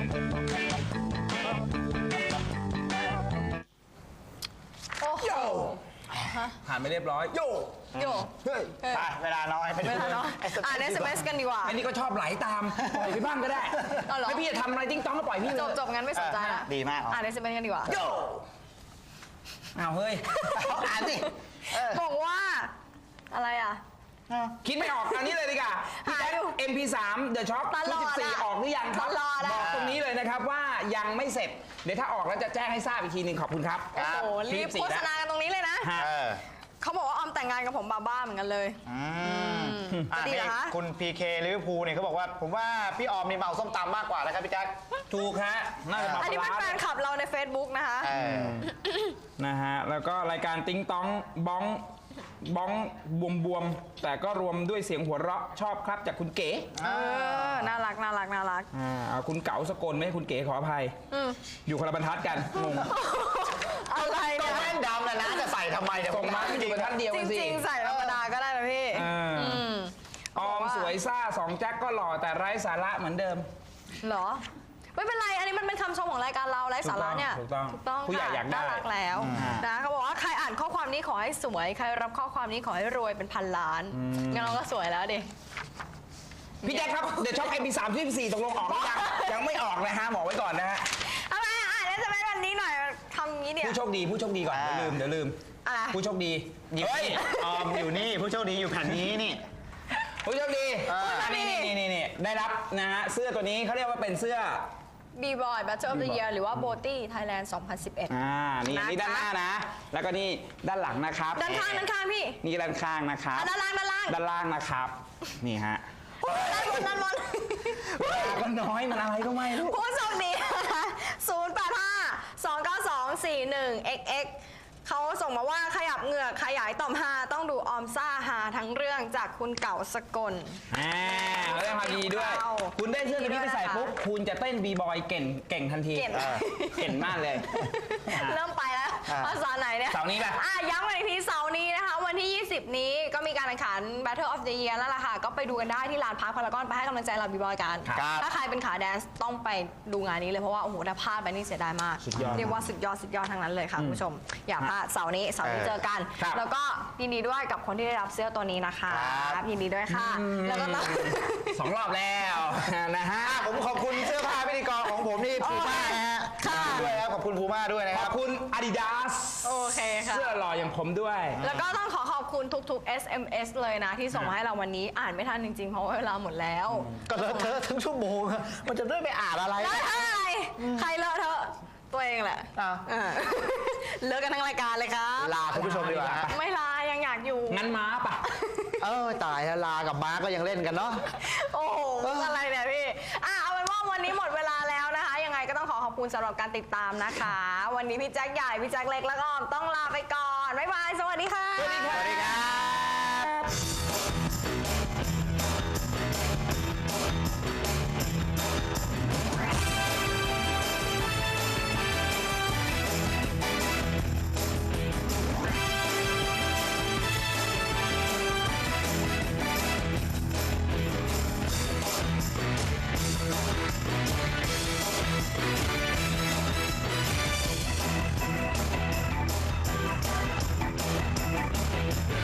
โอ้โหผ่านไปเรียบร้อยโยเฮ้ยไปเวลาน้อยไปดูอ่าน SMS กันดีกว่าอันนี้ก็ชอบไหลตามปล่อยพี่บ้างก็ได้ให้พี่จะทำอะไรติ้งต้องก็ปล่อยพี่เลยจบงั้นไม่สนใจละดีมากอ่าน SMS กันดีกว่าโยอ้าวเฮ้ยอ่านสิบอกว่าอะไรอ่ะคิดไม่ออกอันนี้เลยดีกว่าพี่แจ๊ค MP3 The Shock ตลอด 14ออกหรือยังครับตลอดอะบอกตรงนี้เลยนะครับว่ายังไม่เสร็จเดี๋ยวถ้าออกแล้วจะแจ้งให้ทราบอีกทีหนึ่งขอบคุณครับโอ้โหรีบโฆษณากันตรงนี้เลยนะ เขาบอกว่าออมแต่งงานกับผมบ้าๆเหมือนกันเลยจะดีเหรอคะคุณ PK ลิเวอร์พูลเนี่ยเขาบอกว่าผมว่าพี่ออมนี่เมาส้มตำมากกว่านะครับพี่แจ๊คถูกฮะน่าจะมาอันนี้เป็นแฟนคลับเราใน Facebook นะคะนะฮะแล้วก็รายการติ้งต้องบ้องบวมแต่ก็รวมด้วยเสียงหัวเราะชอบครับจากคุณเก๋น่ารักเอาคุณเก๋าสกลไม่ให้คุณเก๋ขออภัยอยู่คนละบรรทัดกันงงอะไรก็เนี่ยแว่นดำนะจะใส่ทำไมเนี่ยส่งมาไม่อยู่บรรทัดเดียวจกันสิริงๆใส่ธรรมดาก็ได้นะพี่ออมสวยซ่า2แจ็คก็หล่อแต่ไร้สาระเหมือนเดิมเหรอไม่เป็นไรอันนี้มันเป็นคำชมของรายการเราไร้สาระเนี่ยถูกต้องค่ะผู้ใหญ่อยากได้น่ารักแล้วนะเขาบอกว่าใครอ่านข้อความนี้ขอให้สวยใครรับข้อความนี้ขอให้รวยเป็นพันล้านงั้นเราก็สวยแล้วดิพี่แจ๊คครับเดี๋ยวช็อป MP3 ที่4ตกลงออกหรือยังยังไม่ออกนะฮะบอกไว้ก่อนนะฮะทำไมอ่านจะเป็นวันนี้หน่อยทำงี้เนี่ยผู้โชคดีก่อนเดี๋ยวลืมอะไรผู้โชคดีเฮ้ยออมอยู่นี่ผู้โชคดีอยู่แผ่นนี้นี่ผู้โชคดีนี่ได้รับนะฮะเสื้อตัวนี้เขาเรียกว่าเป็นเสื้อ B-Boy Battle of the Year หรือว่า Boti Thailand 2011 นี่ด้านหน้านะ แล้วก็นี่ด้านหลังนะครับด้านข้างพี่นี่ด้านข้างนะครับด้านล่างด้านล่างนะครับนี่ฮะด้านบนก็น้อยมันอะไรก็ไม่รู้ผู้โชคดี 085-292-41xx เขาส่งมาว่าขยับเหงือกขยายต่อมฮาต้องดูออมซ่าฮาทั้งเรื่องจากคุณเก่าสกลเขาได้ความดีด้วย คุณได้เสื้อตัวนี้ไปใส่ปุ๊บคุณจะเต้นบีบอยเก่งทันทีเก่งมากเลยเริ่มไปแล้วภาษาไหนเนี่ยเสาร์นี้ป่ะย้ำกันอีกทีเสาร์นี้นะคะวันที่ 20 นี้ก็มีการแข่งขัน Battle of the Year แล้วล่ะค่ะก็ไปดูกันได้ที่ลานพาร์คพารากอนไปให้กำลังใจเราบีบอยกันถ้าใครเป็นขาแดนซ์ต้องไปดูงานนี้เลยเพราะว่าโอ้โหถ้าพลาดไปนี่เสียดายมากเรียกว่าสุดยอดทั้งนั้นเลยค่ะคุณผู้ชมอย่าพลาดเสาร์นี้เจอกันแล้วก็ยินดีด้วยกับคนที่ได้รับเสื้อตัวนี้นะคะยินดีด้วยค่ะแล้วก็ต้อง 2 รอบแล้วนะฮะผมขอบคุณเสื้อผ้าพิธีกรของผมที่พูม่านะฮะด้วยครับขอบคุณพูม่าด้วยนะครับขอบคุณ Adidas โอเคค่ะเสื้อหล่ออย่างผมด้วยแล้วก็ต้องขอบคุณทุกๆ SMS เลยนะที่ส่งมาให้เราวันนี้อ่านไม่ทันจริงๆเพราะว่าเวลาหมดแล้วก็เลอะเทอะทั้งชั่วโมงมันจะได้ไปอ่านอะไรเลอะเทอะอะไรใครเลอะเทอะตัวเองแหละเลิกกันทั้งรายการเลยครับลาคุณผู้ชมดีกว่าไม่ลายังอยากอยู่งั้นม้าปะตายแล้วลากับม้าก็ยังเล่นกันเนาะโอ้โหอะไรเนี่ยพี่เอาเป็นว่าวันนี้หมดเวลาแล้วนะคะยังไงก็ต้องขอบคุณสำหรับการติดตามนะคะวันนี้พี่แจ็คใหญ่พี่แจ็คเล็กแล้วก็ต้องลาไปก่อนบ๊ายบายสวัสดีค่ะสวัสดีครับ